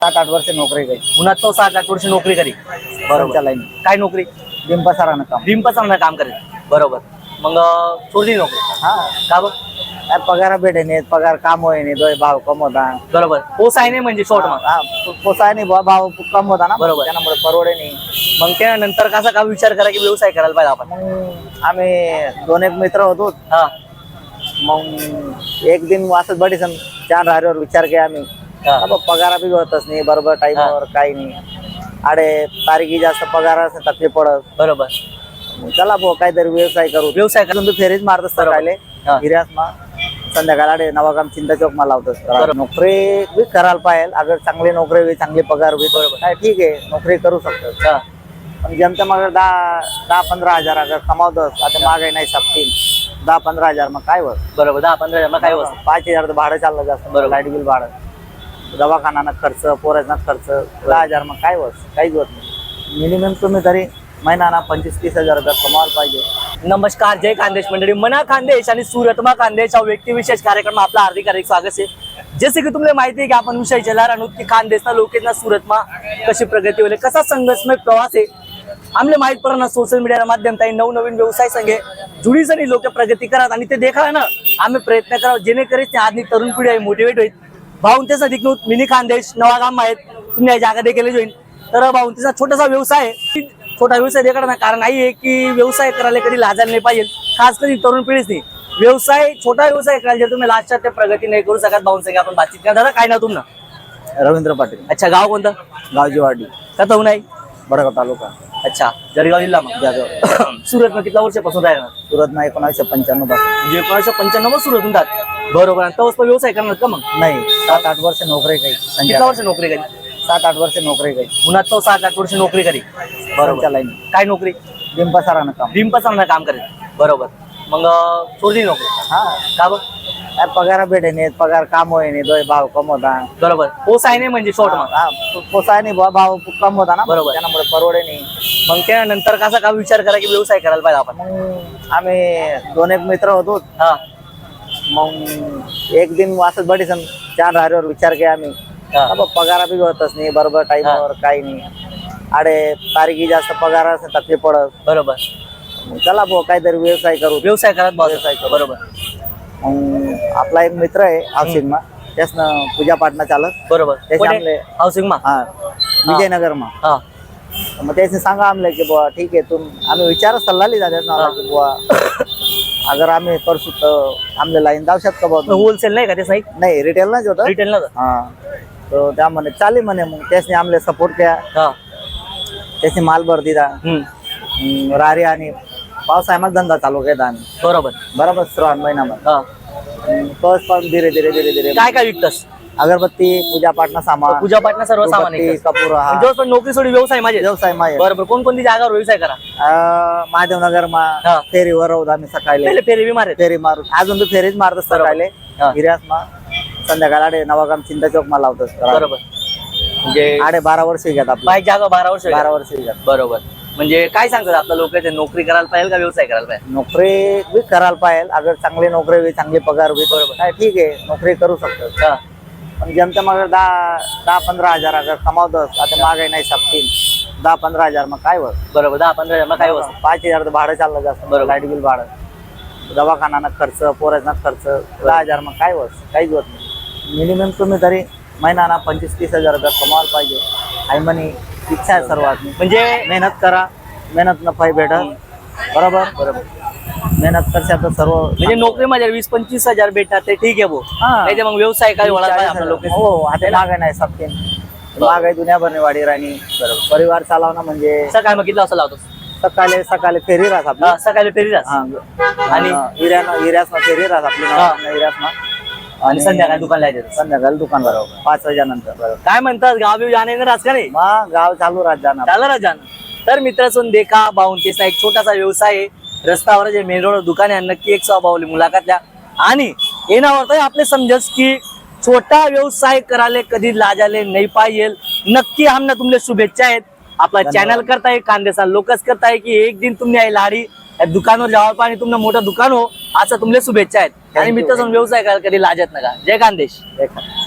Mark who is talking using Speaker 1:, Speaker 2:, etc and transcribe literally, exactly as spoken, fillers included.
Speaker 1: सात आठ वर्ष नोकरी करी
Speaker 2: उन्हात तो सात आठ वर्ष नोकरी करी. बरोबर.
Speaker 1: लाईन
Speaker 2: काय नोकरी?
Speaker 1: डिंपसारानं काम.
Speaker 2: डिंपसारानं काम करेल. बरोबर. मग सोडली नोकरी
Speaker 1: हा
Speaker 2: का बघ?
Speaker 1: काय पगार भेटे नाही, पगार काम होय नाही, दोय भाव कम होता.
Speaker 2: बरोबर. पोसाय नाही म्हणजे शॉर्ट मग.
Speaker 1: हा पोसाय नाही, भाव भाव कम होता ना,
Speaker 2: बरोबर.
Speaker 1: त्यामुळे परवडे नाही.
Speaker 2: मग त्यानंतर कसा का विचार करा की व्यवसाय करायला पाहिजे आपण?
Speaker 1: मग आम्ही दोन एक मित्र होतो.
Speaker 2: हा
Speaker 1: मग एक दिन असंच बडी सण चार राहरीवर विचार केला आम्ही.
Speaker 2: हा.
Speaker 1: अब पगार बी होतच नाही बरोबर टाईमवर, काही नाही. अडे तारीखी जास्त पगार असं तकलीफ पडत.
Speaker 2: बरोबर.
Speaker 1: मग चला भाऊ काहीतरी व्यवसाय करू.
Speaker 2: व्यवसाय
Speaker 1: अजून तू फेरीच मारत असतात राहिले
Speaker 2: हा.
Speaker 1: हिऱ्यास मा संध्याकाळी नवागाम चिंता चौक मा लावतोस.
Speaker 2: बरोबर.
Speaker 1: नोकरी बी करायला पाहिजे. अगर चांगली नोकरी होईल, चांगली पगार होईल,
Speaker 2: बरोबर.
Speaker 1: काय ठीक आहे नोकरी करू शकतो.
Speaker 2: हा.
Speaker 1: पण जमतं मग दहा दहा पंधरा हजार अगर कमावतोस, आता महागाई नाही सापतील, दहा पंधरा हजार मग काय होत?
Speaker 2: बरोबर. दहा पंधरा हजार मग काय होत?
Speaker 1: पाच हजार तर भाडं चाललं जास्त.
Speaker 2: बरोबर.
Speaker 1: लाईट बिल भाडं, दवाखाना खर्च, पोराचा खर्च, दहा हजार मग काय होत? काहीच होत नाही. मिनिमम तुम्ही तरी महिना पंचवीस तीस हजार रुपये कमावायला पाहिजे.
Speaker 2: नमस्कार, जय खानदेश मंडळी. मना खानदेश आणि सुरतमा खानदेश हा व्यक्तिविशेष कार्यक्रम आपला हार्दिक हार्दिक स्वागत आहे. जसे की तुम्हाला माहिती आहे की आपण विषय चला राहणार की खानदेशना लोकेशना सुरतमा कशी प्रगती होईल, कसा संघर्षमय प्रवास आहे आमले माहित पडणार. सोशल मीडियाच्या माध्यमातून नवनवीन व्यवसाय संघे जुडी जणी लोक प्रगती करत आणि ते देखा ना आम्ही प्रयत्न करावं जेणेकरून आजनी तरुण पिढी आहे मोटिवेट होईल. भाऊंतेचा दिकनूत मिनी खानदेश नवागाम आहेत, तुम्ही या जागा देखील जोईन. तर भाऊंतेचा छोटासा व्यवसाय आहे, छोटा व्यवसाय देखा ना, कारण आई आहे की व्यवसाय करायला कधी लाजायला नाही पाहिजे, खास कधी तरुण पिढीच नाही. व्यवसाय छोटा व्यवसाय करायला जर तुम्ही लास्टच्या ते प्रगती नाही करू शकत भाऊन संगे आपण बातचीत करा. दादा काय ना तुमनं?
Speaker 1: रवींद्र पाटील.
Speaker 2: अच्छा, गाव कोणतं?
Speaker 1: गावजीवाडी,
Speaker 2: का तो नाही?
Speaker 1: बडगाव तालुका.
Speaker 2: अच्छा, जळगाव जिल्हा. मग
Speaker 1: जाधव.
Speaker 2: सुरत में कितना वर्षापासून राहणार?
Speaker 1: सुरत ना एकोणीसशे पंच्याण्णव पासून.
Speaker 2: म्हणजे एकोणीसशे पंच्याण्णव सुरत होतात. बरोबर. आणि तवस व्यवसाय करणार का मग?
Speaker 1: नाही, सात आठ वर्ष नोकरी काही.
Speaker 2: किती वर्ष नोकरी करी?
Speaker 1: सात आठ वर्ष नोकरी काही.
Speaker 2: उन्हात तो सात आठ वर्ष नोकरी करी. बरोबर.
Speaker 1: लाईन
Speaker 2: काय नोकरी?
Speaker 1: डिंपसारानं काम.
Speaker 2: डिंपसारानं काम करेल. बरोबर. मग सोडली नोकरी
Speaker 1: हा
Speaker 2: का बघ?
Speaker 1: काय पगार भेटे नाही, पगार काम होय नाही, दोय भाव कम होता.
Speaker 2: बरोबर. पोसाय नाही म्हणजे शॉर्ट मग.
Speaker 1: हा पोसाय नाही, भाव कम होता ना,
Speaker 2: बरोबर.
Speaker 1: त्यामुळे परवडे नाही.
Speaker 2: मग त्यानंतर कसा का विचार करा की व्यवसाय करायला पाहिजे आपण?
Speaker 1: मग आम्ही दोन एक मित्र होतो.
Speaker 2: हा
Speaker 1: मग एक दिन असंच बडी सण चार राहरीवर विचार केला आम्ही.
Speaker 2: हा.
Speaker 1: अब पगार बी होतच नाही बरोबर टाईमवर, काही नाही. अडे तारीखी जास्त पगार असं तकलीफ पडत.
Speaker 2: बरोबर.
Speaker 1: मग चला भाऊ काहीतरी व्यवसाय करू.
Speaker 2: व्यवसाय करत बस.
Speaker 1: व्यवसाय करू.
Speaker 2: बरोबर.
Speaker 1: मग आपला एक मित्र आहे हाऊसिंग मा, त्यासनं पूजा पाटणा चालत.
Speaker 2: बरोबर.
Speaker 1: त्याचे आमले
Speaker 2: हाऊसिंग मा.
Speaker 1: हा विजयनगर मा.
Speaker 2: हा
Speaker 1: मग त्याने सांगा आमले की बुवा ठीक आहे, तुम आम्ही विचार सल्ला लिहिला त्याचा की बुवा अगर आम्ही करसू तर आमले लाईन जाऊ शकतो बघ.
Speaker 2: होलसेल नाही का ते साईक?
Speaker 1: नाही, रिटेल नाच होतं.
Speaker 2: रिटेल ना?
Speaker 1: हा तर त्या म्हणे चालेल म्हणे. मग त्याने आमले सपोर्ट केला,
Speaker 2: हा.
Speaker 1: त्याने माल भर दिला.
Speaker 2: हम्म.
Speaker 1: हम्म, रारी आणि पावसाळ्यामध्ये धंदा चालू केला आम्ही.
Speaker 2: बरोबर.
Speaker 1: बरोबर. श्रावण महिन्यामध्ये
Speaker 2: हा.
Speaker 1: पाऊस पाऊस धीरे धीरे धीरे धीरे
Speaker 2: काय काय विकतस?
Speaker 1: अगरबत्ती, पूजा पाटणा सामान,
Speaker 2: पूजा पाटणा सर्व सामान
Speaker 1: उदबत्ती,
Speaker 2: आहे.
Speaker 1: कपूर. हा
Speaker 2: म्हणजे पण नोकरी सोडी व्यवसाय माझे.
Speaker 1: व्यवसाय माय.
Speaker 2: बरोबर. कोणकोणती जागावर व्यवसाय करा?
Speaker 1: महादेवनगर मा
Speaker 2: हा.
Speaker 1: फेरीवर राहू आम्ही सकाळी.
Speaker 2: पहिले फेरी बी मारे.
Speaker 1: फेरी मारू अजून तू फेरीच मारतो सकाळी.
Speaker 2: हा.
Speaker 1: हिऱ्यास मा संध्याकाळी नवागाम चिंता चौक मा लावतोस.
Speaker 2: बरोबर. म्हणजे
Speaker 1: आडे बारा वर्ष घेत आपलं.
Speaker 2: बाईक जागा बारा वर्ष
Speaker 1: बारा वर्ष घेत.
Speaker 2: बरोबर. म्हणजे काय सांगतात आपल्या लोक नोकरी करायला पाहिजे का व्यवसाय करायला पाहिजे?
Speaker 1: नोकरी बी करायला पाहिजे. अगर चांगली नोकरी होईल, चांगली पगार होईल,
Speaker 2: बरोबर.
Speaker 1: काय ठीक आहे नोकरी करू शकतो.
Speaker 2: हा.
Speaker 1: पण जमतं मग दहा दहा पंधरा हजार अगर कमावतोस, आता महागाई नाही सापतील, दहा पंधरा हजार मग काय होत?
Speaker 2: बरोबर. दहा पंधरा हजार मग काय होत?
Speaker 1: पाच हजार तर भाडं चाललं जास्त.
Speaker 2: बरोबर.
Speaker 1: लाईट बिल भाडं, दवाखाना खर्च, पोराचा खर्च, दहा हजार मग काय होत? काहीच होत नाही. मिनिमम तुम्ही तरी महिना पंचवीस तीस हजार रुपये कमावायला पाहिजे. आई म्हणे इच्छा आहे सर्वात.
Speaker 2: म्हणजे
Speaker 1: मेहनत करा, मेहनत नफाई भेटत. बरोबर.
Speaker 2: बरोबर.
Speaker 1: मेहनत करशा तर सर्व.
Speaker 2: म्हणजे नोकरी माझ्या वीस पंचवीस हजार भेटतात ते ठीक आहे भाऊ.
Speaker 1: हा.
Speaker 2: नाही ते मग व्यवसाय काय वळायला पाहिजे आपल्या लोक.
Speaker 1: हो, आता महागाई नाही सापतील. महागाई दुनियाभरने वाढी राहिली. परिवार चालवणं म्हणजे
Speaker 2: सकाळी मग किती वाजता लावतो?
Speaker 1: सकाळी सकाळी फेरी राहत आपली.
Speaker 2: हा, सकाळी फेरी राहत.
Speaker 1: हा.
Speaker 2: आणि
Speaker 1: हिऱ्यानं हिऱ्यासनं फेरी राहत आपली.
Speaker 2: हा.
Speaker 1: हिऱ्यासनं
Speaker 2: आणि संध्याकाळी दुकान लायचं.
Speaker 1: संध्याकाळी दुकान बरोबर पाच वाजेनंतर.
Speaker 2: काय म्हणतात गाव बिव जाणे राहत का नाही?
Speaker 1: मग गाव चालू राहत जाणार.
Speaker 2: झालं ना जाणं. तर मित्रांनो देखा बाउंटीचा एक छोटासा व्यवसाय आहे. रस्त्यावर जे मेन रोड दुकान आहे नक्की एक स्वभावली मुलाखत द्या. आणि येण्यावर आपले समजस की छोटा व्यवसाय करायला कधी लाजाले नाही पाहिजे. नक्की आमना तुमले शुभेच्छा आहेत. आपला चॅनल करताय कांदेसा लोकच करताय की एक दिन तुम्ही आई लाडी दुकानवर जावा पाणी तुमनं मोठं दुकान हो असं तुमले शुभेच्छा आहेत. आणि मित्रांनो व्यवसाय करायला कधी लाजत नका. जय खानदेश.